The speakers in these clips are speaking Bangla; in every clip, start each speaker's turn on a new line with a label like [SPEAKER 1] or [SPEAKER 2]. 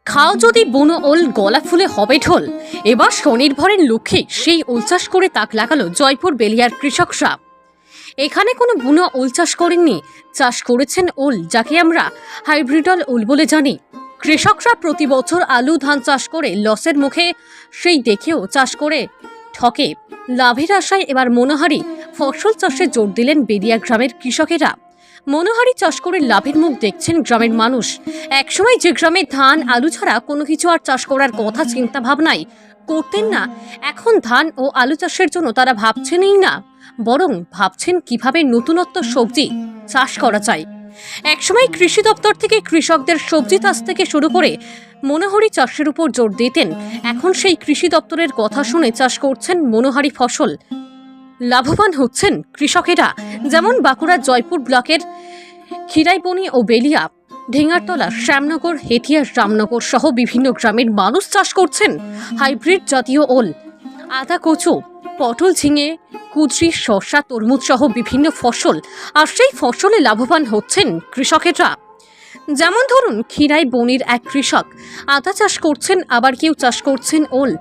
[SPEAKER 1] খাও যদি বুনো ওল গলা ফুলে হবে ঢোল। এবার স্বনির্ভরের লক্ষ্যে সেই ওল চাষ করে তাক লাগালো জয়পুর বেলিয়ার কৃষকরা। এখানে কোনো বুনো ওল চাষ করেননি, চাষ করেছেন ওল, যাকে আমরা হাইব্রিডল ওল বলে জানি। কৃষকরা প্রতি বছর আলু ধান চাষ করে লসের মুখে, সেই দেখেও চাষ করে ঠকে লাভের আশায় এবার মনোহারি ফসল চাষে জোর দিলেন বেলিয়া গ্রামের কৃষকেরা। মনোহারি চাষ করে লাভের মুখ দেখছেন গ্রামের মানুষ। একসময় যে গ্রামে ধান আলু ছাড়া কোনো কিছু আর চাষ করার কথা চিন্তা ভাবনাই করতেন না, এখন ধান ও আলু চাষের জন্য তারা ভাবছেনই না, বরং ভাবছেন কিভাবে নতুনত্ব সবজি চাষ করা যায়। একসময় কৃষি দপ্তর থেকে কৃষকদের সবজি চাষ থেকে শুরু করে মনোহারি চাষের উপর জোর দিতেন, এখন সেই কৃষি দপ্তরের কথা শুনে চাষ করছেন মনোহারি ফসল। লাভবান হচ্ছেন কৃষকেরা। যেমন বাঁকুড়ার জয়পুর ব্লকের খিরাইবনি ও বেলিয়া, ঢেঙ্গারতলা, শ্যামনগর, হেথিয়া, রামনগর সহ বিভিন্ন গ্রামের মানুষ চাষ করছেন হাইব্রিড জাতীয় ওল, আদা, কচু, পটল, ঝিঙে, কুদরি, শসা, তরমুজ সহ বিভিন্ন ফসল। আর সেই ফসলে লাভবান হচ্ছেন কৃষকেরা। যেমন ধরুন, খিরাইবনির এক কৃষক আদা চাষ করছেন, আবার কেউ চাষ করছেন ওল।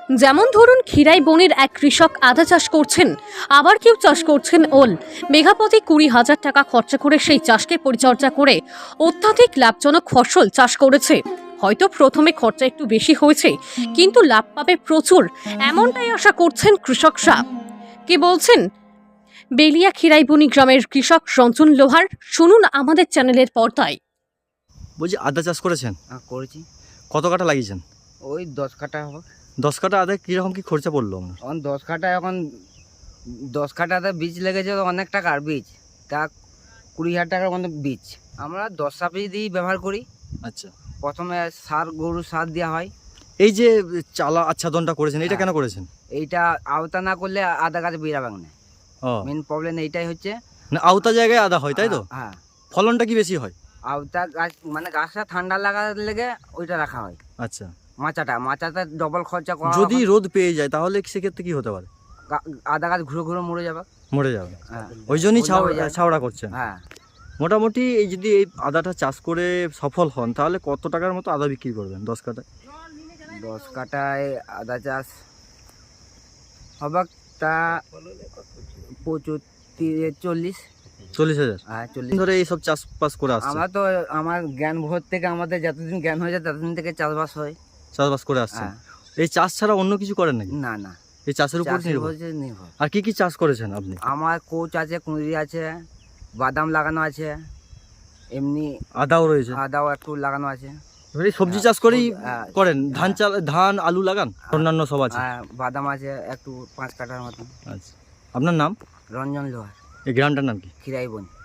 [SPEAKER 1] মেঘাপতি 20,000 টাকা খরচা করে সেই চাষকে পরিচর্যা করে অত্যাধিক লাভজনক ফসল চাষ করেছে। হয়তো প্রথমে খরচা একটু বেশি হয়েছে, কিন্তু লাভ পাবে প্রচুর, এমনটাই আশা করছেন কৃষকরা। কি বলছেন বেলিয়া খিরাইবনি গ্রামের কৃষক রঞ্জন লোহার, শুনুন আমাদের চ্যানেলের পর্দায়।
[SPEAKER 2] বলছি আদা চাষ করেছেন?
[SPEAKER 3] করেছি।
[SPEAKER 2] কত কাঠা লাগিয়েছেন?
[SPEAKER 3] ওই 10 কাঠা হবে।
[SPEAKER 2] 10 কাঠা আদায় কীরকম কী খরচা পড়লো আপনার?
[SPEAKER 3] এখন 10 কাঠাতে বীজ লেগেছে অনেক টাকার বীজ, তা 20,000 টাকার মতো বীজ। আমরা 10 সাপি দিয়েই ব্যবহার করি।
[SPEAKER 2] আচ্ছা,
[SPEAKER 3] প্রথমে গরু সার দেওয়া হয়।
[SPEAKER 2] এই যে চালা আচ্ছাদনটা করেছেন, এটা কেন করেছেন?
[SPEAKER 3] এইটা আওতা না করলে আদা গাছ বেরাবে না।
[SPEAKER 2] ও,
[SPEAKER 3] মেন প্রবলেম এইটাই হচ্ছে।
[SPEAKER 2] না আওতা জায়গায় আদা হয়, তাই তো?
[SPEAKER 3] হ্যাঁ,
[SPEAKER 2] ফলনটা কি বেশি হয়?
[SPEAKER 3] আওতা গাছ মানে গাছটা ঠান্ডা লাগার লেগে ওইটা রাখা হয়।
[SPEAKER 2] আচ্ছা,
[SPEAKER 3] মাচাটা ডবল খরচা করা।
[SPEAKER 2] যদি রোদ পেয়ে যায় তাহলে সেক্ষেত্রে কি হতে পারে?
[SPEAKER 3] আদা গাছ ঘুরে ঘুরে মরে যাবে।
[SPEAKER 2] মরে যাবে।
[SPEAKER 3] হ্যাঁ,
[SPEAKER 2] ওই জন্যই
[SPEAKER 3] ওইটা হয়ে যায়।
[SPEAKER 2] ছাওড়া করছেন।
[SPEAKER 3] হ্যাঁ,
[SPEAKER 2] মোটামুটি এই যদি এই আদাটা চাষ করে সফল হন তাহলে কত টাকার মতো আদা বিক্রি করবেন 10 কাঠায়?
[SPEAKER 3] 10 কাঠায় আদা চাষ হবে তা
[SPEAKER 2] 40,000।
[SPEAKER 3] হ্যাঁ, 40
[SPEAKER 2] ধরে এইসব চাষবাস করে আসছে,
[SPEAKER 3] আমরা তো আমার জ্ঞান ভোর থেকে, আমাদের যতদিন জ্ঞান হয়ে যায় ততদিন থেকে চাষবাস হয়।
[SPEAKER 2] চাষবাস করে আসছেন।
[SPEAKER 3] হ্যাঁ।
[SPEAKER 2] এই চাষ ছাড়া অন্য কিছু করেন নাকি?
[SPEAKER 3] না,
[SPEAKER 2] এই চাষের উপর
[SPEAKER 3] চাষের
[SPEAKER 2] নির্ভর।
[SPEAKER 3] উপর নির্ভর।
[SPEAKER 2] আর কি কি চাষ করেছেন আপনি?
[SPEAKER 3] আমার কোচ আছে, কুঁদরি আছে, বাদাম লাগানো আছে, এমনি
[SPEAKER 2] আদাও রয়েছে,
[SPEAKER 3] আদাও একটু লাগানো আছে।
[SPEAKER 2] এবারে সবজি চাষ করেই
[SPEAKER 3] হ্যাঁ,
[SPEAKER 2] করেন? ধান আলু লাগান, অন্যান্য সব আছে?
[SPEAKER 3] বাদাম আছে একটু 5 কাঠার মতন।
[SPEAKER 2] আচ্ছা, আপনার নাম?
[SPEAKER 3] রঞ্জন লোহার,
[SPEAKER 2] এই গ্রামটার নাম কি?
[SPEAKER 3] খিরাইবনি।